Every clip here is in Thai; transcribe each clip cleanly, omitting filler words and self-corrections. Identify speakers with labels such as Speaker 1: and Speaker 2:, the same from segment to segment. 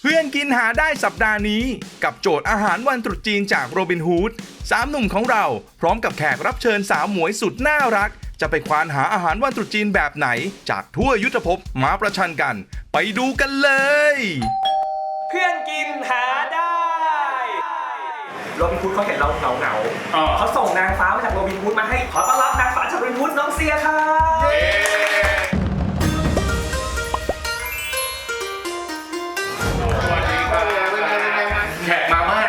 Speaker 1: เพื่อนกินหาได้สัปดาห์นี้กับโจทย์อาหารวันตรุษจีนจากโรบินฮูด3 หนุ่มของเราพร้อมกับแขกรับเชิญสาวหมวยสุดน่ารักจะไปควานหาอาหารวันตรุษจีนแบบไหนจากทั่วยุทธภพมาประชันกัน ไปดูกันเลย
Speaker 2: เพื่อนกินหาได้โรบินฮูดเขาเห็นเราเหงาเขาส่งนางฟ้ามาจากโรบินฮูดมาให้ขอต้อนรับนางฟ้าจากโรบินฮูดน้องเซียครับ
Speaker 3: แขกมามาก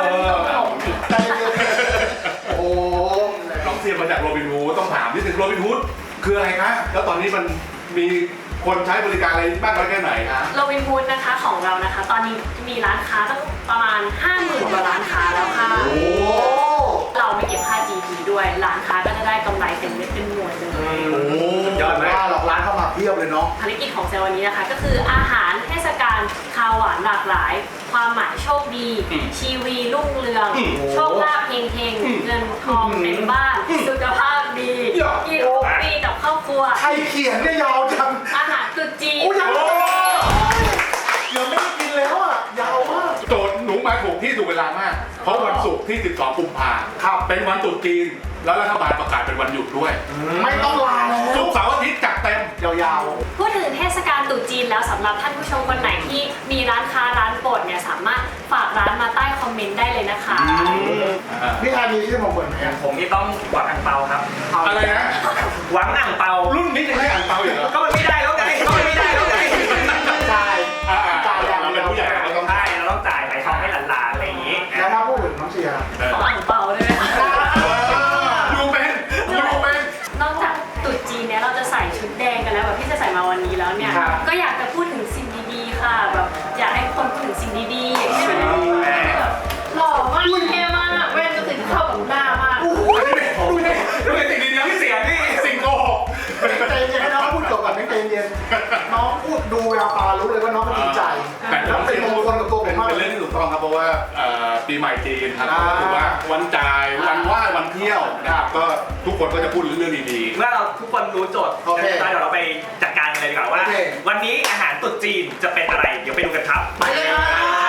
Speaker 3: โอ้ต้องเสียมาจากโรบินฮูดต้องถามนิดนึงโรบินฮูดคืออะไรคะแล้วตอนนี้มันมีคนใช้บริการอะไรมากน้อยแค่ไหนคะ
Speaker 4: โรบินฮูดนะคะของเรานะคะตอนนี้มีร้านค้าตั้งประมาณ 50,000 กว่าร้านค้าแล้วค่ะเราไม่เก็บค่า GP ด้วยร้านค้าก็จะได้กำไรเต็มเม็ดเต็มหน่วยเลย
Speaker 2: ยอดมาก
Speaker 3: หลอกร้านเข้ามาเพียบเลยเนาะ
Speaker 4: ภารกิจของเซลล์วันนี้นะคะก็คืออาหารเทศกาลคาวหวานหลากหลาย ความหมายโชคดี ชีวีรุ่งเรือง โชคลาภเฮงๆเงินทองเต็มบ้านสุขภาพดีกินทุกปีกับครอบครัว
Speaker 3: ใครเขียนเนี่ยยาวจัง
Speaker 4: อาหารตรุษจีน
Speaker 3: โอ้ยยังไม่ได้กินแล้วอ่ะยาวมากโจทย์หนูมาถูกที่ถูกเวลามากเพราะวันศุกร์ที่ 12 กุมภาพันธ์เป็นวันตรุษจีนแล้วรัฐบาลประกาศเป็นวันหยุดด้วยไม่ต้องลาแล้วศุกร์เสาร์อาทิตย์จัดเต็มยาวๆ
Speaker 4: พูดถึงเทศกาลตรุษจีนแล้วสำหรับท่านผู้ชมคนไหนที่มีร้านค้าร้านโปรดเนี่ยสามารถฝากร้านมาใต้คอมเมนต์ได้เลยนะคะ
Speaker 3: พี่ฮานีที่ผมเหมือนไหม
Speaker 2: ผมที่ต้องหวังอ่างเปาครับ
Speaker 3: อะไรนะ
Speaker 2: หวังอ่างเปา
Speaker 3: รุ่นนี้ยังไม่อ่านเตาอยู่เหรอ
Speaker 2: ก็มันไม่ได้แล้วไง
Speaker 3: ใช่จ่ายอย่างเดียวผู้ใหญ่เราต้อง
Speaker 2: ใช่เราต้องจ่ายไปทองให้หลานๆอะไรอย่างนี้
Speaker 3: แล้วถ้าพูดถึงน้องเชียร์
Speaker 4: ขออ่างเปาได้ไหมคะ
Speaker 3: ดูเป็น
Speaker 4: นอกจากตรุษจีนเนี่ยเราจะใส่ชุดแดงกันแล้วแบบที่จะใส่มาวันนี้แล้วเนี่ยก็อยากจะพูดถึงสิ่งดีๆค่ะแบบอยากให้คนพูดถึงสิ่งดีๆอย่างเช่นแบบหล่อมากเท่มากแว่นก็คือเข้ากับหน้ามาก
Speaker 3: ดูเป็นสิ่งดีๆที่เสียนี่สิ่งโกหกใจเย็นให้น้องพูดจบก่อนไม่ใจเย็นน้องพูดดูแววตารู้เลยว่าน้องมันดีใจแล้วเป็นมงคลกับตัวผมมากเป็นเรื่องที่ถูกต้องครับเพราะว่าปีใหม่จีนครับก็ถือว่าวันจ่ายวันไหว้วันเที่ยวนะครับก็ทุกคนก็จะพูดเรื่องดีๆ
Speaker 2: เมื่อเราทุกคนรู้โจทย์เดี๋ยวเราไปจัดการกันเลยดีกว่าว่า วันนี้อาหารตรุษจีนจะเป็นอะไรเดี๋ยวไปดูกันครับไปเลยครับ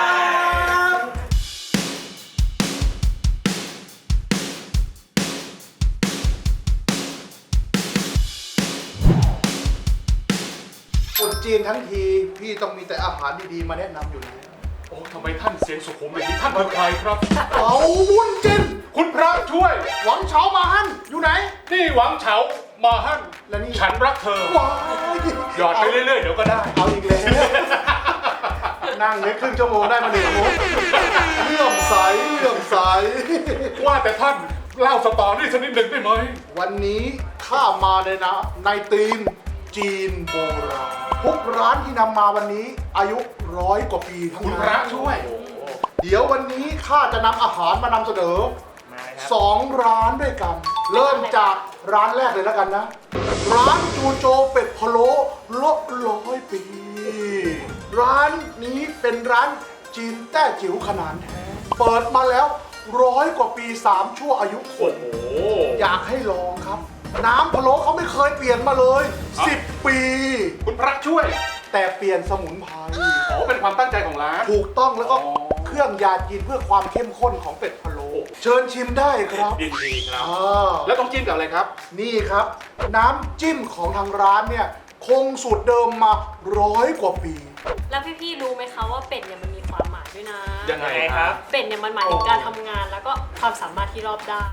Speaker 5: ตรุษจีนทั้งทีพี่ต้องมีแต่อาหารดีๆมาแนะนำอยู่แล้ว
Speaker 3: โอ้ทำไมท่านเสียงสุขุมอย่างนี้ท่านคือใครครับ
Speaker 5: เอาวุ้นจิน
Speaker 3: คุณพระช่วย
Speaker 5: หวังเฉามาฮั่นอยู่ไหน
Speaker 3: นี่หวังเฉามาฮั่น
Speaker 5: และนี่
Speaker 3: ฉันรักเธอ
Speaker 5: ว้าย
Speaker 3: หยอดไปเรื่อยๆเดี๋ยวก็ได้
Speaker 5: เอาอีกแล้วนั่งเล็กครึ่งชั่วโมงได้มาหนึ่งมุกเลื่อมใสเลื่อมใส
Speaker 3: ว่าแต่ท่านเล่าสตอรี่สักนิดหนึ่งได้ไหม
Speaker 5: วันนี้ข้ามาในธีมจีนโบราณทุกร้านที่นำมาวันนี้อายุ100 กว่าปีทั้ง
Speaker 3: คุณ
Speaker 5: นั้น
Speaker 3: พระช่วย
Speaker 5: เดี๋ยววันนี้ข้าจะนำอาหารมานำเสนอ 2 ร้านด้วยกัน เริ่มจากร้านแรกเลยแล้วกันนะ ร้านจูโจเป็ดพะโล้ลบ100 ปี ร้านนี้เป็นร้านจีนแต้จิ๋วขนาดแท้เปิดมาแล้ว100 กว่าปี 3 ชั่วอายุคน
Speaker 3: โอ้โห
Speaker 5: อยากให้ลองครับ น้ำพะโล้เขาไม่เคยเปลี่ยนมาเลย 10 ปี
Speaker 3: คุณพระช่วย
Speaker 5: แต่เปลี่ยนสมุนไพร
Speaker 3: อ๋อเป็นความตั้งใจของร้าน
Speaker 5: ถูกต้องแล้วก็
Speaker 3: อ๋อ
Speaker 5: เครื่องยาจีนเพื่อความเข้มข้นของเป็ดพะโล้เชิญชิมได้ครับ
Speaker 3: ยินดีครับ
Speaker 5: อ่า
Speaker 3: แล้วต้องจิ้มกับอะไรครับ
Speaker 5: นี่ครับ น้ำจิ้มของทางร้านเนี่ยคงสูตรเดิมมา100 กว่าปี
Speaker 4: แล้วพี่ๆรู้ไหมคะว่าเป็ดเนี่ยมันมีความหมายด้วยนะ
Speaker 3: ยังไงครับ
Speaker 4: เป็ดเนี่ยมันหมายถึงการทำงานแล้วก็ความสามารถที่รอบด้าน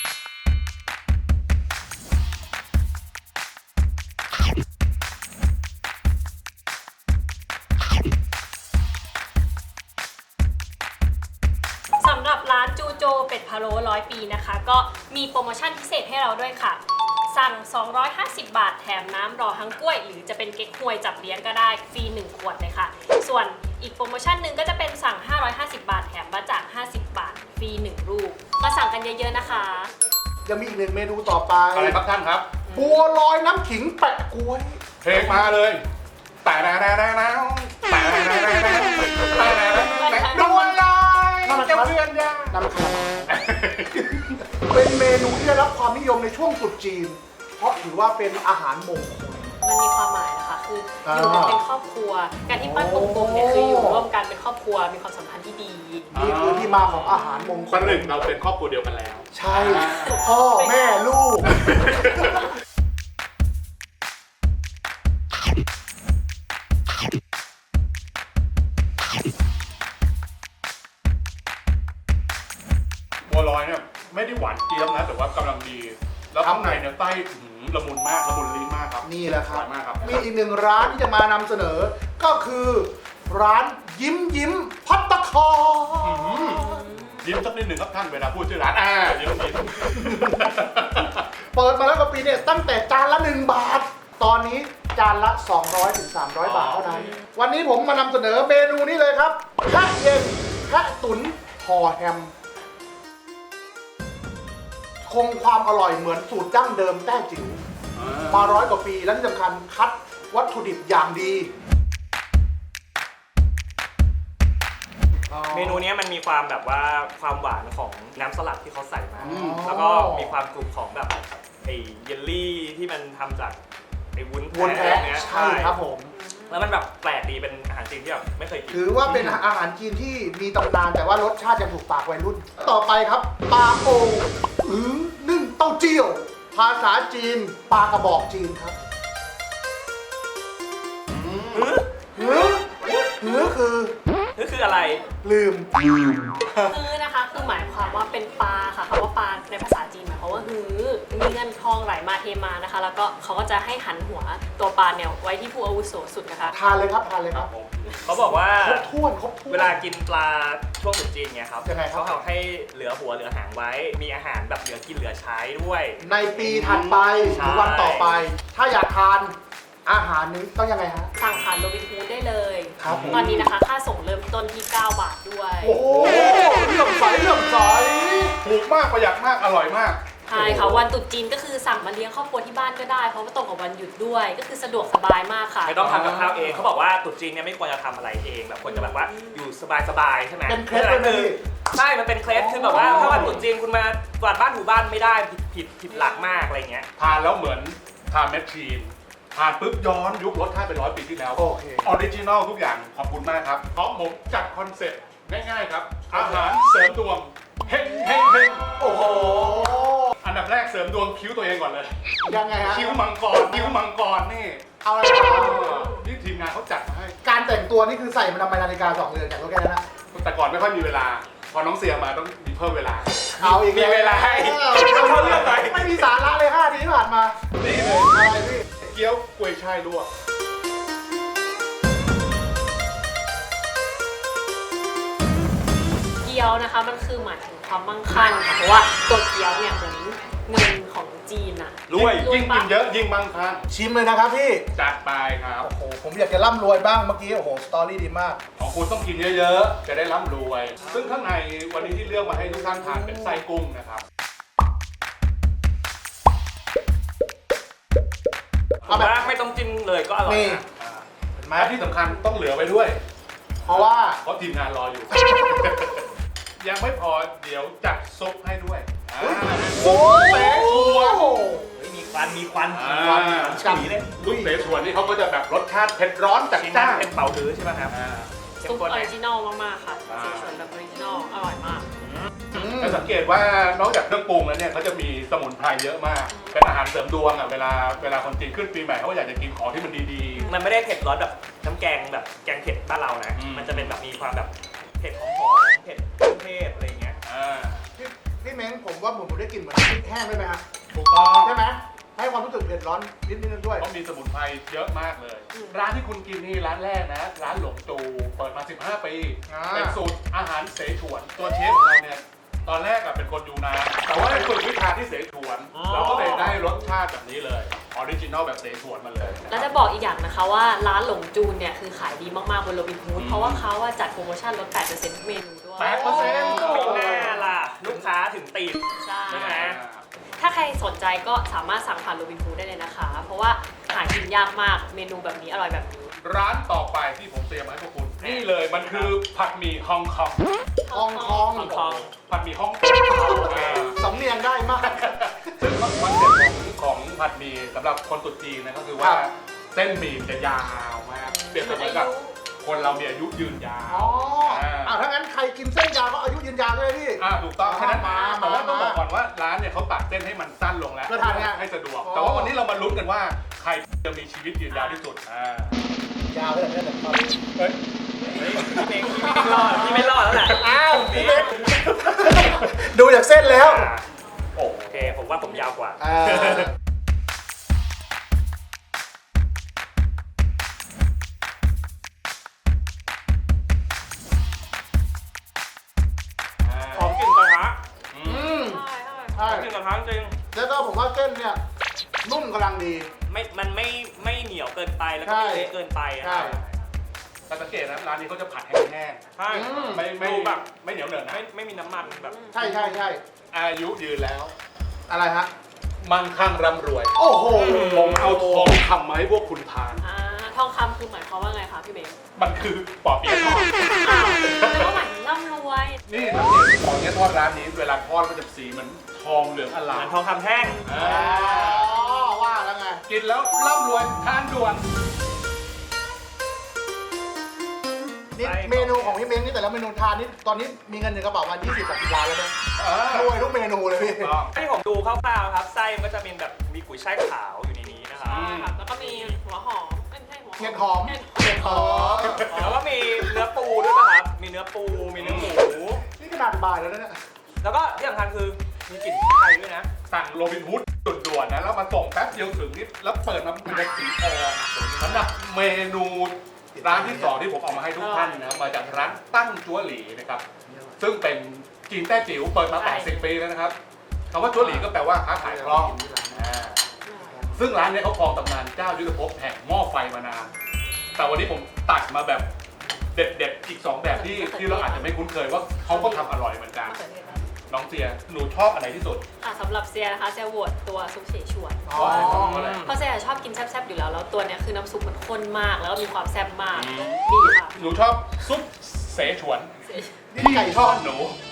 Speaker 4: สำหรับร้านจูโจเป็ดพะโล้100 ปีนะคะ ก็มีโปรโมชั่นพิเศษให้เราด้วยค่ะ สั่ง 250 บาทแถมน้ำรอฮังกล้วย หรือจะเป็นเก๊กฮวยจับเลี้ยงก็ได้ฟรี 1 ขวดเลยค่ะ ส่วนอีกโปรโมชั่นหนึ่งก็จะเป็นสั่ง 550 บาทแถมบะจ่าง50 บาทฟรี 1 ลูกมาสั่งกันเยอะๆนะคะ
Speaker 5: ยังมีอีกหนึ่งเมนูต่อไป
Speaker 3: อะไรครับท่านครับ
Speaker 5: บัวลอยน้ำขิงแปะกล้วย
Speaker 3: เพลงมาเลยแต่แล้วดวนลอยเจ้าเพื่อนยา
Speaker 5: น้ำคาราเป็นเมนูที่ได้รับความนิยมในช่วงตรุษจีน เพราะถือว่าเป็นอาหารมงคล
Speaker 4: มันมีความหมายนะคะ คืออยู่กันเป็นครอบครัว การที่ปั้นกลมๆเนี่ยคืออยู่ร่วมกันเป็นครอบครัวมีความสัมพันธ์ที่ดี
Speaker 5: นี่คือที่มาของอาหารมงค
Speaker 3: ประ
Speaker 5: ล
Speaker 3: หนึ่งเราเป็นครอบครัวเดียวกันแล้ว
Speaker 5: ใช่พ่อแม่ลูก
Speaker 3: บัวลอยเนี่ยไม่ได้หวานเจี๊ยบนะแต่ว่ากำลังดี แล้วข้างในเนี่ยไส้ละมุนมากละมุนลิ้นมากครับ
Speaker 5: นี่แหละครับ
Speaker 3: อร่อยมากครับ
Speaker 5: มีอีกหนึ่งร้านที่จะมานำเสนอ ก็คือร้านยิ้มยิ้มพัตตาคาร
Speaker 3: ยิ้มสักนิดหนึ่งครับท่านเวลาพูดชื่อร้านยิ้มยิ้ม
Speaker 5: เปิดมาแล้วกว่าปีเนี่ยตั้งแต่จานละ 1 บาท ตอนนี้จานละ 200 ถึง 300 บาทเท่านั้น วันนี้ผมมานำเสนอเมนูนี้เลยครับแพะเย็นแพะตุ๋นห่อแฮม คงความอร่อยเหมือนสูตรดั้งเดิมแต้จิ๋วมา100 กว่าปีและที่สำคัญคัดวัตถุดิบอย่างดี
Speaker 2: เมนูเนี้ยมันมีความแบบว่าความหวานของน้ำสลัดที่เขาใส่มา
Speaker 5: อืม
Speaker 2: แล้วก็มีความกรุบของแบบไอ้เยลลี่ที่มันทำจากไอ้วุ้น
Speaker 5: วน
Speaker 2: แพ้
Speaker 5: แพะ
Speaker 2: เนี้ย
Speaker 5: ใช่ครับผม
Speaker 2: แล้วมันแบบแปลกดีเป็นอาหารจีนที่แบบไม่เคยกิน
Speaker 5: ถือว่าเป็นอาหารจีนที่มีตำนานแต่ว่ารสชาติยังถูกปากวัยรุ่น ต่อไปครับปลาโอนึ่งเต้าเจี้ยว ภาษาจีนปลากระบอกจีนครับหือคือ
Speaker 2: นี่คืออะไร
Speaker 5: ลืม
Speaker 4: ฮื้อนะคะคือหมายความว่าเป็นปลาค่ะคำว่าปลาในภาษาจีนหมายความว่าฮื้อมีเงินทองไหลมาเทมานะคะ แล้วก็เขาก็จะให้หันหัวตัวปลาเนี่ยไว้ที่ผู้อาวุโสสุดนะคะ
Speaker 5: ทานเลยครับทานเลยครับ
Speaker 2: เขาบอกว่า
Speaker 5: ครบถ้วนครบถ้วน
Speaker 2: เวลากินปลาช่วงตรุษจีนเนี่ยครับ
Speaker 5: ยังไงครับ
Speaker 2: เขาเอาให้เหลือหัวเหลือหางไว้ มีอาหารแบบเหลือกินเหลือใช้ด้วย
Speaker 5: ในปีถัดไปหรือวันต่อไป ถ้าอยากทานอาหารนี้ต้องยังไงฮะ
Speaker 4: สั่งผ่านโรบินฮูดได้เลย
Speaker 5: ครับผม
Speaker 4: ตอนนี้นะคะค่าส่งเริ่มต้นที่ 9 บาทด้วย
Speaker 5: โอ้โหเลื่อมใสเลื่อมใส
Speaker 3: ถูกมากประหยัดมากอร่อยมาก
Speaker 4: ใช่ค่ะวันตรุษจีนก็คือสั่งมาเลี้ยงครอบครัวที่บ้านก็ได้เพราะว่าตรงกับวันหยุดด้วย ก็คือสะดวกสบายมากค่ะ
Speaker 2: ไม่ต้องทำกับข้าวเองเขาบอกว่าตรุษจีนเนี่ยไม่ควรจะทำอะไรเองแบบควรจะแบบว่าอยู่สบายๆใช่ไหม
Speaker 5: เป็นเคล็ดเลยนะพี่
Speaker 2: ใช่ มันเป็นเคล็ดคือแบบว่าถ้าวันตรุษจีนคุณมากวาดบ้านถูบ้านไม่ได้ผิดหลักมากอะไรเงี้ย
Speaker 3: ทานแล้วเหมือนทานแมชชีนทานปุ๊บย้อนยุครสชาติเป็น100 ปีที่แล้ว
Speaker 5: โอเค
Speaker 3: ออริจินอลทุกอย่างขอบคุณมากครับเพราะผมจัดคอนเซ็ปต์ง่ายๆครับ อาหารเสริมดวงเฮงเฮงเฮง
Speaker 5: โอ้โห
Speaker 3: อันดับแรกเสริมดวงคิ้วตัวเองก่อนเลย
Speaker 5: ยังไงฮะ
Speaker 3: คิ้วมังกรคิ้วมังกรนี่
Speaker 5: เอาอะไร
Speaker 3: เอ
Speaker 5: มา
Speaker 3: อนี่ทีมงานเขาจัดมาให้
Speaker 5: การแต่งตัวนี่คือใส่มาทำไมนาฬิกา2 เรือนจากรถแค่นั้นนะ
Speaker 3: แต่ก่อนไม่ค่อยมีเวลา พอน้องเสียมาต้องมีเพิ่มเวลา
Speaker 5: เอาอีก
Speaker 2: มีเวลาให้เข้าเรื่องไป
Speaker 5: ไม่มีสาระเลย5 ทีที่ผ่านมา
Speaker 3: นี่เลย
Speaker 5: อะไรพี่
Speaker 3: เกี๊ยวกล้วยช่ายลวก
Speaker 4: เกี๊ยวนะคะมันคือหมายถึงความมั่งคั่งค่ะเพราะว่าตัวเกี๊ยวเนี่ยเหมือนเงินของจีนอะ
Speaker 3: รวย
Speaker 4: รวย
Speaker 3: ยิ่งกินเยอะยิ่งมั่งคั่ง
Speaker 5: ชิมเลยนะครับพี่
Speaker 3: จัดไปครับ
Speaker 5: โอ้โห ผมอยากจะร่ำรวยบ้างเมื่อกี้ โอ้โห สตอรี่ดีมาก
Speaker 3: ของคุณต้องกินเยอะๆ จะได้ร่ำรวย ซึ่งข้างในวันนี้ที่เลือกมาให้ทุกท่านทานเป็นไส้กุ้งนะครับ
Speaker 2: ผมว่าไม่ต้องจิ้มเลยก็อร่อย
Speaker 5: นี่
Speaker 2: นะ
Speaker 5: เห็นไหม
Speaker 3: และที่สำคัญต้องเหลือไว้ด้วย
Speaker 5: เพราะว่า
Speaker 3: เพราะทีมงานรออยู่ ยังไม่พอเดี๋ยวจัดซุปให้ด้วยซุปเสฉวน
Speaker 2: เฮ้ยมีควันมีควัน
Speaker 3: อ่า
Speaker 2: ควันฉีเลย
Speaker 3: ซุปเสฉวนนี่เขาก็จะแบบรสชาติเผ็ดร้อนจัด
Speaker 2: ชิ้น
Speaker 3: จ้า
Speaker 2: นั้น
Speaker 3: น
Speaker 2: เป็นเป่าฮื้อใช่ไหมครับ
Speaker 4: ซุปออริจินอลมากๆค่ะเสฉวนแบบออริจินอลอร่อยมาก
Speaker 3: จะสังเกตว่านอกจากเครื่องปรุงแล้วเนี่ยเขาจะมีสมุนไพรเยอะมาก เป็นอาหารเสริมดวงอ่ะเวลาคนจีนขึ้นปีใหม่เขาก็อยากจะกินของที่มันดี
Speaker 2: มันไม่ได้เผ็ดร้อนแบบน้ำแกงแบบแกงเผ็ดบ้านเรานะ
Speaker 3: อืม
Speaker 2: มันจะเป็นแบบมีความแบบเผ็ดหอมๆเผ็ดเครื่องเทศอะไรเงี้ย
Speaker 3: ๆอ่า
Speaker 5: พี่เม้งผมว่าผมได้กลิ่นเหมือนพริกแห้งด้วยไหมฮะ
Speaker 3: ถูกต้อง
Speaker 5: ใช่ไหม ให้ความรู้สึกเผ็ดร้อนนิดๆด้วย
Speaker 3: เพราะมีสมุนไพรเยอะมากเลย ร้านที่คุณกินนี่ร้านแรกนะ ร้านหลงจูเปิดมา 15 ปี
Speaker 5: อ่า
Speaker 3: เป็นสูตรอาหารเสฉวน ตัวเชฟของเราเนี่ยตอนแรกอะเป็นคนยูนานแต่ว่าได้ฝึกวิชาที่เสฉวน
Speaker 2: อ๋อ
Speaker 3: เราก็เลยได้รสชาติแบบนี้เลยออริจินอลแบบเสฉวนมาเลย
Speaker 4: แล้วจะบอกอีกอย่างนะคะว่าร้านหลงจูนเนี่ยคือขายดีมากๆบนโรบินฮูดเพราะว่าเขาอะจัดโปรโมชั่นลด 8%ทุกเมนูด้วย
Speaker 3: 8%
Speaker 2: ไม่น่าล่ะ ลูกค้าถึงตีบ
Speaker 4: ใช่
Speaker 2: ใช่ไหม
Speaker 4: ถ้าใครสนใจก็สามารถสั่งผ่านโรบินฮูดได้เลยนะคะ เพราะว่าหากินยากมากเมนูแบบนี้อร่อยแบบนี้
Speaker 3: ร้านต่อไปที่ผมเตรียมมาให้พวกคุณ นี่เลยมันคือผัดหมี่ฮ่องกง
Speaker 5: ทองทอง
Speaker 2: ฮ่องกง
Speaker 3: ผัดหมี่ฮ่องกง
Speaker 5: สำเนียงได้มาก
Speaker 3: ซึ่งคอนเซ็ปต์ของผัดหมี่สำหรับคนตรุษจีนนะก็คือว่า
Speaker 5: ครับ
Speaker 3: เส้นหมี่จะยาวมากเปรียบเสมือนกับคนเรามีอายุยืนยา
Speaker 5: อ๋อ
Speaker 3: ว
Speaker 5: รกินเส้นยาวก็อายุยืนยาวเลยพี่
Speaker 3: ถูกต้องฉะนั้น
Speaker 5: มา
Speaker 3: แต่ว่าต้องบอกก่อนว่าร้านเนี่ยเขาตัดเส้นให้มันสั้นลงแล้ว
Speaker 5: เพื่อทานง่าย
Speaker 3: ให้สะดวก
Speaker 5: อ๋อ
Speaker 3: แต่ว่าวันนี้เรามาลุ้นกันว่าใครจะมีชีวิตยืนยาวที่สุด
Speaker 5: ยาวเลยเนี่ยแต่ตอนนี้
Speaker 3: เฮ้ย
Speaker 2: พี่ไม่รอดแล้วแหละ
Speaker 5: อ้าวพี่เล็กดูจากเส้นแล้ว
Speaker 2: โอเคผมว่าผมยาวกว่า หอมกลิ่นกระทะ
Speaker 5: ใช่
Speaker 2: หอมกลิ่นกระทะจริง
Speaker 5: แล้วก็ผมว่าเส้นเนี่ยนุ่มกำลังดี
Speaker 2: มันไม่เหนียวเกินไปแล้วก็ไม่เละเกินไปอะ
Speaker 5: ใช่
Speaker 3: แต่สังเกตนะร้านนี้เขาจะผัดแห้ง
Speaker 2: ใช่
Speaker 3: ๆไม่
Speaker 2: ดูแบบ
Speaker 3: ไม่เหนียวเหนอะนะ
Speaker 2: ไม่มีน้ำมันแบบ
Speaker 5: ใช่ใช่ใช่
Speaker 3: อายุยืนแล้ว
Speaker 5: อะไรฮะ
Speaker 3: มั่งคั่งร่ำรวย
Speaker 5: โอ้โห
Speaker 3: ผมเอาทองคำมาให้พวกคุณทาน
Speaker 4: ทองคำคือหมายความว่าไงคะพี่เบส
Speaker 3: มันคือปอเปี๊ยะทอด
Speaker 4: แล้วก็หมายถึงร่ำรวย
Speaker 3: นี่สังเกตปอเปี๊ยะทอดร้านนี้เวลาทอดมันจะสีเหมือนทองเหลืองอ
Speaker 2: เห
Speaker 3: ลา
Speaker 2: มื
Speaker 3: ม
Speaker 2: อนทองคำแท่ง
Speaker 3: อ่า
Speaker 5: อ๋อว่าแล้วไง
Speaker 3: กินแล้วร่ำรวยทานด่วน
Speaker 5: นี่
Speaker 2: ใช่ครับ
Speaker 5: เมนูของพี่เม้งนี่แต่ละเมนูทานนี่ตอนนี้มีเงินในกระเป๋ามา20-30 ล้านแล้วนะรวยทุกเมนูเลยพี่
Speaker 2: ที่ผมดูคร่าวๆครับไส้มันก็จะเป็นแบบมีกุยช่ายขาวอยู่ในนี้นะครับ
Speaker 4: ค่ะแล้วก็มีหัวหอมไม่ใช่หัวหอม
Speaker 5: เห็ดหอม
Speaker 4: เห็ด
Speaker 5: เห็ดหอม
Speaker 2: แล้วก็มีเนื้อปูด้วยป่ะครับ มีเนื้อปูมีเนื้อหมู
Speaker 5: นี่ขนาดบ่ายแล้วนะเนี่ย
Speaker 2: แล้วก็ที่สำคัญคือมีกลิ่นไทยด้วยนะ
Speaker 3: สั่งโรบินฮูดด่วนๆนะแล้วมาส่งแป๊บเดียวถึงนี่แล้วเปิดมาเป็นสีทองสำหรับเมนูร้านที่สองที่ผมเอามาให้ทุกท่านนะมาจากร้านตั้งจั๊วหลีนะครับซึ่งเป็นจีนแต้จิ๋วเปิดมา80 ปีแล้วนะครับคำว่าจั๊วหลีก็แปลว่าค้าขายคล่องซึ่งร้านเนี้เขาครองตำนานเจ้ายุทธภพแห่งหม้อไฟมานานแต่วันนี้ผมตัดมาแบบเด็ดๆอีก2แบบที่เราอาจจะไม่คุ้นเคยว่าเขาก็ทำอร่อยเหมือนกันน้องเซียหนูชอบอันไหนที่สุด
Speaker 4: สำหรับเซียนะคะเซียโหวตตัวซุปเสฉวน
Speaker 5: อ๋อ
Speaker 4: เพราะเซียชอบกินแซ่บๆอยู่แล้วแล้วตัวเนี้ยคือน้ำซุปมันข้นมากแล้วก็มีความแซ่บมากดีค่ะ
Speaker 3: หนูชอบซุปเสฉวน
Speaker 5: นี่ไก่ทอด
Speaker 3: หนู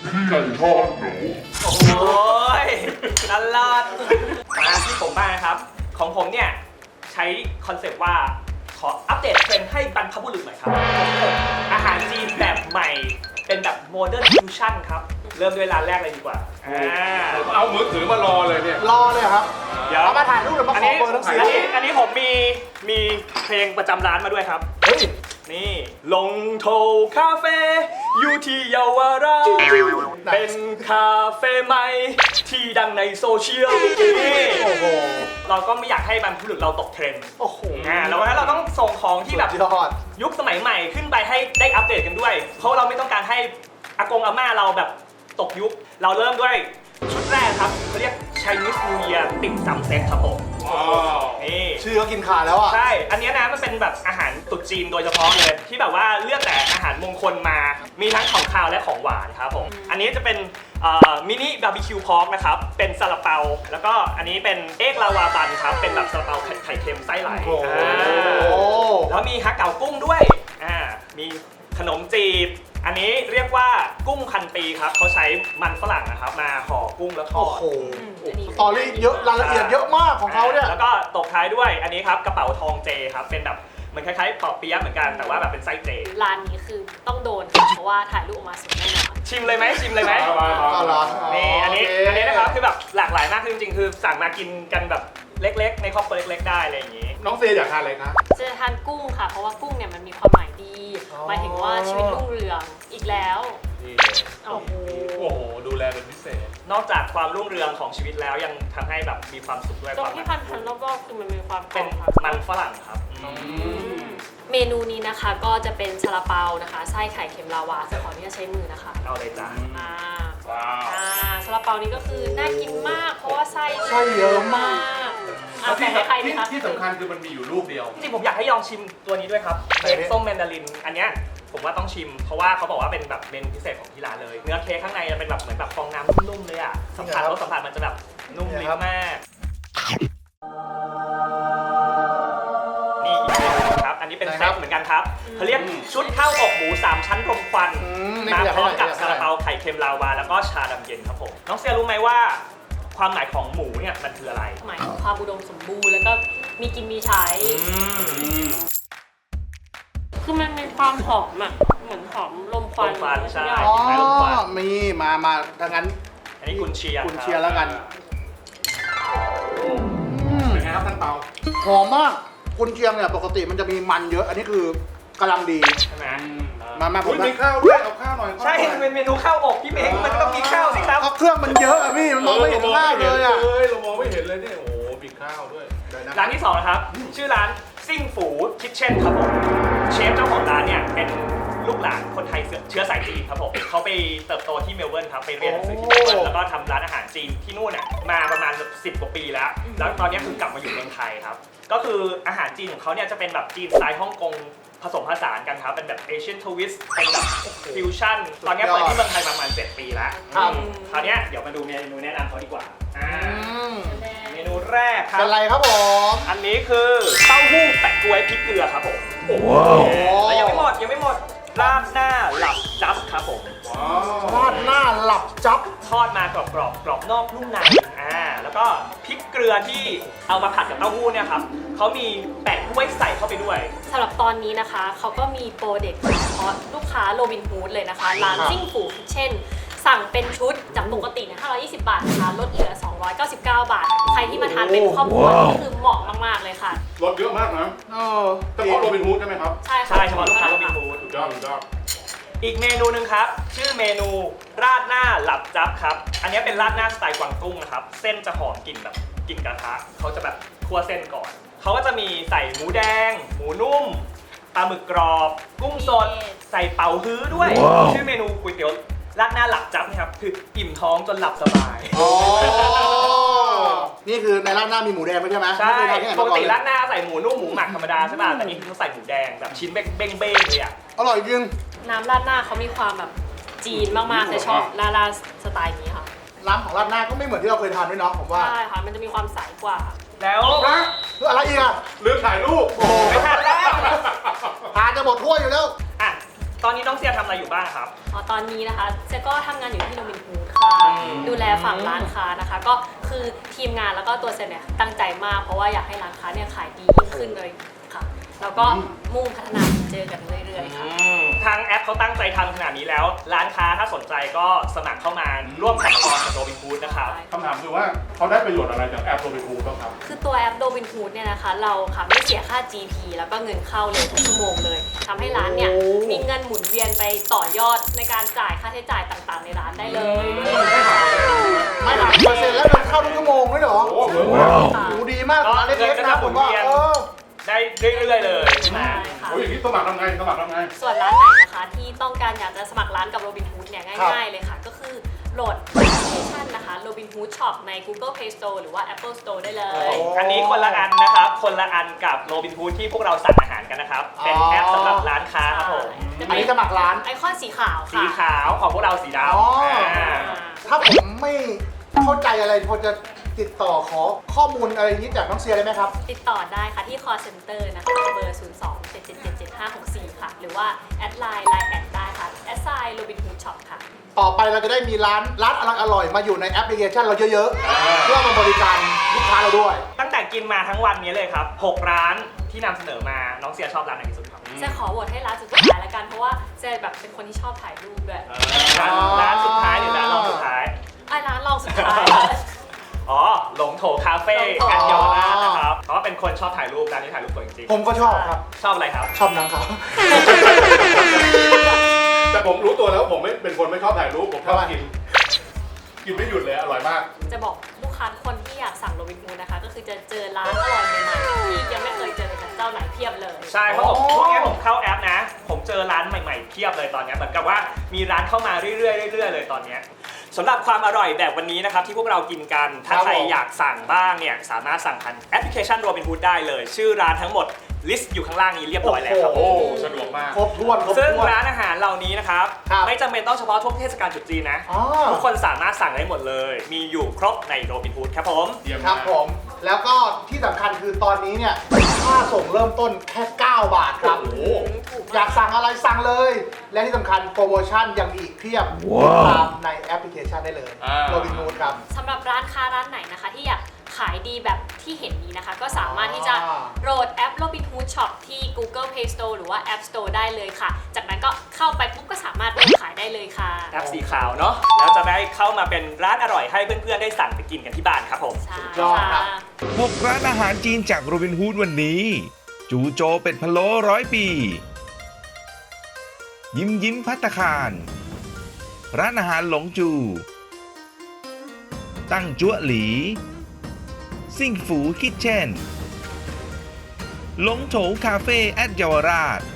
Speaker 2: โอ้ยตลอดมาที่ผมบ้างนะครับ ของผมเนี่ยใช้คอนเซปต์ว่าขออัปเดตเทรนด์ให้บรรพบุรุษหน่อยครับอาหารจีนแบบใหม่เป็นแบบโมเดิร์นฟิวชั่นครับ เริ่มด้วยร้านแรกเลยดีกว่า
Speaker 3: ผมเอามือถือมารอเลยเนี่ย
Speaker 5: รอเลยครับ
Speaker 2: เดี๋ยว
Speaker 5: เอามาถ่ายรูปหรือมา
Speaker 2: อัน
Speaker 5: ขอ
Speaker 2: นี้
Speaker 5: เบอร์ทั้งสี่
Speaker 2: อันนี้ผมมีเพลงประจำร้านมาด้วยครับ
Speaker 5: เฮ้ย
Speaker 2: นี่ลงโทคาเฟ่อยู่ที่เยาวราชเป็นคาเฟ่ใหม่ที่ดังในโซเชียลนี่
Speaker 5: โอ้โห
Speaker 2: เราก็ไม่อยากให้บรรพบุรุษเราตกเทรนด์
Speaker 5: โอ้โห
Speaker 2: แล้ววันนั้นเราต้องส่งของที่แบบ
Speaker 5: สุดยอด
Speaker 2: ยุคสมัยใหม่ขึ้นไปให้ได้อัปเดตกันด้วย เพราะเราไม่ต้องการให้อากงอาม่าเราแบบตกยุค เราเริ่มด้วยชุดแรกครับเขาเรียก Chinese New Year ติ่มซำเซ็ตครับผมนี่
Speaker 5: ชื่อก็กินขาดแล้วอ่ะ
Speaker 2: ใช่ อันเนี้ยนะมันเป็นแบบอาหารตรุษจีนโดยเฉพาะเลย ที่แบบว่าเลือกแต่อาหารมงคลมา มีทั้งของคาวและของหวานครับผม อันนี้จะเป็นมินิบาร์บีคิวพอกนะครับ เป็นซาลาเปา แล้วก็อันนี้เป็นเอกลาวาบันครับ เป็นแบบซาลาเปาไข่เค็มไส้ไหล
Speaker 5: โอ้โห
Speaker 2: แล้วมีฮักเก๋ากุ้งด้วย มีขนมจีบ อันนี้เรียกว่ากุ้งพันปีครับ เขาใช้มันฝรั่งนะครับมาห่อกุ้งแล้วทอ
Speaker 5: โอ้
Speaker 2: ด
Speaker 5: โหสตอรี่เยอะรายละเอียดเยอะมากของเขาเนี่ย
Speaker 2: แล้วก็ตบท้ายด้วยอันนี้ครับกระเป๋าทองเจครับเป็นแบบเหมือนคล้ายๆปอเปี๊ยะเหมือนกันแต่ว่าแบบเป็นไส้เจ
Speaker 4: ร้านนี้คือต้องโดนค่ะเพราะว่าถ่ายรูปออกมาสวยแน่นอน
Speaker 2: ชิมเลยไหมชิมเลยไหม
Speaker 5: เอาเหรอ
Speaker 2: นี่อันนี้
Speaker 5: โเค
Speaker 2: อันนี้นะครับคือแบบหลากหลายมากคือจริงๆคือสั่งมากินกันแบบเล็กๆ ในครอบครัวเล็กๆได้อะไรอย่างนี้
Speaker 3: น้องเซียอยากทานอะไรคะ
Speaker 4: จะทานกุ้งค่ะ เพราะว่ากุ้งเนี่ยมันมีความหมายดี หมายถึงว่าชีวิตรุ่งเรืองอีกแล้ว
Speaker 3: นี่
Speaker 4: โอ้โห
Speaker 3: โอ้โหดูแลเป็นพิเศษ
Speaker 2: นอกจากความรุ่งเรืองของชีวิตแล้วยังทำให้แบบมีความสุขด้วย
Speaker 4: ตร
Speaker 2: ค
Speaker 4: ง
Speaker 2: วาม
Speaker 4: ที่พันๆรอบๆคือมันมีความกร
Speaker 2: เป็
Speaker 4: อน บค่ะ
Speaker 2: มันฝรั่งครับ
Speaker 4: เมนูนี้นะคะก็จะเป็นซาลาเปานะคะไส้ไข่เค็มลาวาจะขออนุญาตใช้มือนะคะ
Speaker 2: เอาเลยจ้ะ
Speaker 4: อ่า
Speaker 3: ว้าว
Speaker 4: ซาลาเปานี้ก็คือน่ากินมาก เพราะว่าไส้
Speaker 5: ไส้เยอะมาก
Speaker 4: แบ่งให้ใครดีคะ
Speaker 3: ที่สำคัญคือมันมีอยู่ลูกเดียว
Speaker 2: จริงๆผมอยากให้ลองชิมตัวนี้ด้วยครับเค้กส้มแมนดาริน อันเนี้ยผมว่าต้องชิม เพราะว่าเขาบอกว่าเป็นแบบเมนูพิเศษของที่ร้านเลย เนื้อเค้กข้างในจะเป็นแบบเหมือนแบบฟองน้ำนุ่มๆเลยอ่ะสัมผัสรสสัมผัสมันจะแบบนุ่มลิ้นมากนี่อีกเมนูครับ อันนี้เป็นเซตเหมือนกันครับเขาเรียกชุดข้าวอกหมู3ชั้นรมควัน
Speaker 5: นี่
Speaker 2: มา
Speaker 5: อยาก
Speaker 2: พร้อม
Speaker 5: ให้
Speaker 2: กับ
Speaker 5: อยากให้
Speaker 2: ซาลาเปาไข่เค็มลาวาแล้วก็ชาดำเย็นครับผมน้องเซียรู้ไหมว่าความหมายของหมูเนี่ยมันคืออะไร
Speaker 4: หมายถึงความอุดมสมบูรณ์แล้วก็มีกินมีใช้
Speaker 5: ค
Speaker 4: คือมันมีความหอมอ่ะ เหมือนหอมลมควัน
Speaker 2: ลมควันใช่
Speaker 5: อ๋อมีดังนั้น
Speaker 2: อันนี้กุนเชียง
Speaker 5: คุณเชียร์แล้วกัน
Speaker 3: เป็นไงครับท่านเปา
Speaker 5: หอมมากคุณเชียงเนี่ยปกติมันจะมีมันเยอะ อันนี้คือกำลังดี
Speaker 2: ใช่ไหม
Speaker 5: มาผม
Speaker 3: มีข้าวด้วยเอาข้าวหน่อย
Speaker 2: ใช่มันเป็นเมนูข้าวอบพี่เม้งมันก็ต้องมีข้าวสิครับ
Speaker 5: เครื่องมันเยอะอะพี่มันมองไม่เห็นภาพเลยอะ
Speaker 3: เรามองไม่เห็นเลยเนี่ยโอ้โหมีข้าวด้วยได้นะ
Speaker 2: ร้านที่2นะครับ ชื่อร้านซิ่งฝูคิทเช่นครับผมเชฟเจ้าของร้านเนี่ยเป็นลูกหลานคนไทยเชื้อสายจีนครับผมเขาไปเติบโตที่เมลเบิร์นครับไปเรียนหนังสือที่เมลเบิร์นแล้วก็ทำร้านอาหารจีนที่นู่นน่ะมาประมาณ10 กว่าปีแล้วแล้วตอนนี้คือกลับมาอยู่เมืองไทยครับก็คืออาหารจีนของเขาเนี่ยจะเป็นแบบจีนสไตล์ฮ่องกงผสมผสานกันครับเป็นแบบเอเชียนทวิสต์เป็นแบบฟิวชั่นตอนนี้เปิดที่เมืองไทยประมาณ7 ปีแล้วคราวนี้เดี๋ยวมาดูเมนูแนะนำเขาดีกว่าเมนูแรกครับ
Speaker 5: เป็นไรครับผม
Speaker 2: อันนี้คือเต้าหู้แปะกล้วยพริกเกลือครับผมแล้วยังไม่หมดราดหน้าหลับจับครับผม
Speaker 5: ราดหน้าหลับจับ
Speaker 2: ทอดมากรอบนอกนุ่มในแล้วก็พริกเกลือที่เอามาผัดกับเต้าหู้เนี่ยครับเขามีแปะกล้วยใส่เข้าไปด้วย
Speaker 4: สำหรับตอนนี้นะคะเขาก็มีโปรเด็ดเฉพาะลูกค้าโรบินฮูดเลยนะคะร้านซิ่งฝูคิทเช่นสั่งเป็นชุดจากปกติเนี่ย520 บาทนะคะลดเหลือ 299 บาท ใครที่มาทานเป็นครอบครัวนี่คือเหมาะมากๆเลยค่ะ
Speaker 3: รสเยอะมากนะเฉพาะโรบินฮูดใช่ไหมครับ
Speaker 4: ใช่ค่ะ
Speaker 2: ใช่เฉพาะลูกค้าโรบินฮูด
Speaker 3: สุดยอดสุดยอด
Speaker 2: อีกเมนูหนึ่งครับชื่อเมนูราดหน้าหลับจับครับอันนี้เป็นราดหน้าสไตล์กวางตุ้งนะครับเส้นจะหอมกลิ่นแบบกลิ่นกระทะเขาจะแบบคั่วเส้นก่อนเขาก็จะมีใส่หมูแดง หมูนุ่มปลาหมึกกรอบกุ้งสดใส่เป๋าฮื้อด้วยชื่อเมนูก๋วยเตี๋ยวราดหน้าหลับจับนะครับคืออิ่มท้องจนหลับสบาย
Speaker 5: นี่คือในราดหน้ามีหมูแดงไม่ใช่ไหม
Speaker 2: ใช่
Speaker 5: ไม่เคยทานที่ไหน
Speaker 2: ป
Speaker 5: มาก ก่อน
Speaker 2: ติ
Speaker 5: เลย
Speaker 2: ราดหน้าใส่หมูนุ่มหมูหมักธรรมดาใช่ป่ะแต่นี่คือเขาใส่หมูแดงแบบชิ้นเบ้งๆเลยอ่ะ
Speaker 5: อร่อยจริง
Speaker 4: น้ำราดหน้าเขามีความแบบจีนมากๆเลยชอบราดสไตล์นี้ค่ะ
Speaker 5: ร้านของราดหน้าก็ไม่เหมือนที่เราเคยทานด้วยเนาะผมว่า
Speaker 4: ใช่ค่ะมันจะมีความใสกว่า
Speaker 2: แล้ว
Speaker 5: คืออะไรอีกอะ
Speaker 3: ลืมถ่ายรูป
Speaker 2: ไม่ทันแล้ว
Speaker 5: ทานจะหมดถ้วยอยู่แล้ว
Speaker 2: อ่ะตอนนี้น้องเซียทำอะไรอยู่บ้างครับ
Speaker 4: ตอนนี้นะคะเจ๊ก็ทำงานอยู่ที่โรบินฮูดค่ะ ดูแลฝั่งร้านค้านะคะ ก็คือทีมงานแล้วก็ตัวเซนเนี่ยตั้งใจมากเพราะว่าอยากให้ร้านค้าเนี่ยขายดียิ่งขึ้นเลยค่ะ แล้วก็มุ่งพัฒนาเจอกันเรื่อยๆค่ะ
Speaker 2: ทางแอปเขาตั้งใจทำขนาดนี้แล้ว ร้านค้าถ้าสนใจก็สมัครเข้ามาร่วมแพลตฟอร์มกับโรบินฮูดนะครับ
Speaker 3: คำถามคือว่าเขาได้ประโยชน์อะไรจากแอปโรบินฮูดบ้างครับ
Speaker 4: คือตัวแอปโรบินฮูดเนี่ยนะคะ เราค่ะไม่เสียค่า GP แล้วก็เงินเข้าเลยทุกชั่วโมงเลยทำให้ร้านเนี่ยมีเงินหมุนเวียนไปต่อยอดในการจ่ายค่าใช้จ่ายต่างๆ ในร้านได้เลย
Speaker 5: ไม่หักเปอร์เซ็นต์แล้วเดินเข้าทุกชั่วโมงด้วยเหรอ
Speaker 3: โอ้โหเหมือนมาก
Speaker 4: ค่ะ
Speaker 5: ดูดีมากร้านเล็กๆนะผมว่า
Speaker 2: ได้เรื่อยๆเลยใช่ไหม
Speaker 4: ใช่ค่ะ
Speaker 3: โอ้ยอย่างนี้สมัครทำไง
Speaker 4: ส่วนร้านไหนนะคะที่ต้องการอยากจะสมัครร้านกับโรบินฮูดเนี่ยง่ายๆเลยค่ะ ก็คือโหลดแอปพลิเคชันนะคะ Robinhood Shop ใน Google Play Store หรือว่า Apple Store ได้เลย
Speaker 2: อันนี้คนละอันนะครับ คนละอันกับโรบินฮูดที่พวกเราสั่งอาหารกันนะครับ เป็นแอปสำหรับร้านค้าครับผม
Speaker 4: จะมี
Speaker 5: อันนี้สมัครร้าน
Speaker 4: ไอคอนสีขาว
Speaker 2: สี
Speaker 4: ค่ะ
Speaker 2: ขาวของพวกเราสีด
Speaker 5: อ๋อ
Speaker 2: ำ
Speaker 5: ถ้าผมไม่เข้าใจอะไรพอจะติดต่อขอข้อมูลอะไรนี้จากน้องเซียได้ไหมครับ
Speaker 4: ติดต่อได้ค่ะที่ call center นะคะเบอร์ 02-777-7564 ค่ะ หรือว่าแอดไลน์แอดได้ค่ะแอดไซน์ Robinhood Shop ค่ะ
Speaker 5: ต่อไปเราจะได้มีร้านอร่อยๆมาอยู่ในแอปพลิเคชันเราเยอะๆ เพื่อมาบริการลูกค้าเราด้วย
Speaker 2: ตั้งแต่กินมาทั้งวันนี้เลยครับ 6 ร้านที่นำเสนอมา น้องเซียชอบร้านไหนที่สุดครับ
Speaker 4: จะขอโหวตให้ร้านสุดท้ายแล้วกัน เพราะว่าเจะแบบเป็นคนที่ชอบถ่ายรูปด้วย
Speaker 2: ร้านสุดท้ายหรือร้านรองสุดท้าย
Speaker 4: ไอ้ร้านรองสุดท้าย
Speaker 2: อ๋อ หลงโถคาเฟ่
Speaker 4: หลงโถ
Speaker 2: กันเยาวราชนะครับ เพราะว่าเป็นคนชอบถ่ายรูปร้านนี้ถ่ายรูปสวยจริง
Speaker 5: ผมก็ชอบครับ
Speaker 2: ๆ ชอบอะไรครับ
Speaker 5: ชอบนางครับ
Speaker 3: แต่ผมรู้ตัวแล้วผมไม่เป็นคนไม่ชอบถ่ายรูปผมชอบกิน กินไม่หยุดเลยอร่อยมาก
Speaker 4: จะบอกลูกค้าทุกคนที่อยากสั่งโรบินฮูดนะคะ ก็คือจะเจอร้านอร่อยใหม่ๆที่ยังไม่เคยเจอจากเจ้าไหนเพียบเลย
Speaker 2: ใช่ เพราะผมช่วงนี้ผมเข้าแอปนะ ผมเจอร้านใหม่ๆเพียบเลยตอนนี้เหมือนกับว่ามีร้านเข้ามาเรื่อยๆเรื่อยๆเลยตอนนี้สำหรับความอร่อยแบบวันนี้นะครับที่พวกเรากินกัน ถ้า
Speaker 5: ครับ
Speaker 2: ใคร
Speaker 5: ผม
Speaker 2: อยากสั่งบ้างเนี่ยสามารถสั่งผ่านแอปพลิเคชัน Robinhood ได้เลย ชื่อร้านทั้งหมดลิสต์อยู่ข้างล่างนี้เรียบร้อยแล้วครับ
Speaker 3: โอ้สะดวกมาก
Speaker 5: ครบถ้วน
Speaker 2: ซึ่งร้านอาหารเหล่านี้นะครับ
Speaker 5: ครับ
Speaker 2: ไม่จำเป็นต้องเฉพาะช่วงเทศกาลตรุษจีนนะ
Speaker 5: อ๋อ
Speaker 2: ทุกคนสามารถสั่งได้หมดเลย มีอยู่ครบใน Robinhood ครับผม
Speaker 3: เยี่ยม
Speaker 5: ครั
Speaker 3: มา
Speaker 5: บ
Speaker 3: ก
Speaker 5: ผม แล้วก็ที่สำคัญคือตอนนี้เนี่ยค่าส่งเริ่มต้นแค่ 9 บาทครับ
Speaker 3: โอ้โห
Speaker 5: อยากสั่งอะไรสั่งเลย และที่สำคัญโปรโมชั่นยังมีอีกเพียบติดตามในแอปพลิเคชันได้เลย
Speaker 3: อ่า
Speaker 5: โรบินฮูดครับ
Speaker 4: สำหรับร้านค้าร้านไหนนะคะ ที่อยากขายดีแบบที่เห็นนี้นะคะ ก็สามารถที่จะโหลดแอป Robinhood Shop ที่ Google Play Store หรือว่า App Store ได้เลยค่ะ จากนั้นก็เข้าไปปุ๊บก็สามารถเริ่มขายได้เลยค่ะ
Speaker 2: แอปสีขาวเนาะแล้วจะได้เข้ามาเป็นร้านอร่อยให้เพื่อนๆได้สั่งไปกินกันที่บ้านครับผม
Speaker 4: ใช่
Speaker 5: ยอดครับ
Speaker 4: ค่ะ
Speaker 1: 6 ร้านอาหารจีนจากโรบินฮูดวันนี้ จูโจเป็ดพะโล้100 ปี ยิ้มภัตตาคาร ร้านอาหารหลงจู ตั้งจั่วหลี ซิ่งฝูคิทเช่นหลงโถคาเฟ่แอดเยาวราช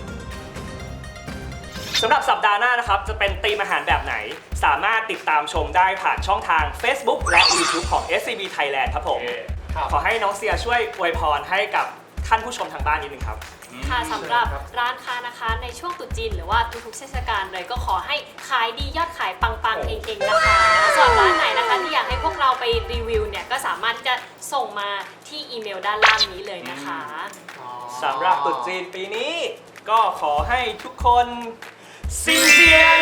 Speaker 2: สำหรับสัปดาห์หน้านะครับ จะเป็นธีมอาหารแบบไหน สามารถติดตามชมได้ผ่านช่องทาง Facebook และ YouTube ของ SCB Thailand ครับผม
Speaker 5: ครับ
Speaker 2: ขอให้น้องเซียช่วยอวยพรให้กับท่านผู้ชมทางบ้านนิดนึงครับ
Speaker 4: ค่ะสำหรับร้านค้านะคะในช่วงตรุษจีนหรือว่าทุกๆเทศกาลเลยก็ขอให้ขายดียอดขายปังๆเฮงๆนะคะส่วนร้านไหนนะคะที่อยากให้พวกเราไปรีวิวเนี่ยก็สามารถที่จะส่งมาที่อีเมลด้านล่างนี้เลยนะคะ
Speaker 2: สำหรับตรุษจีนปีนี้ ก็ขอให้ทุกคนซินเจียน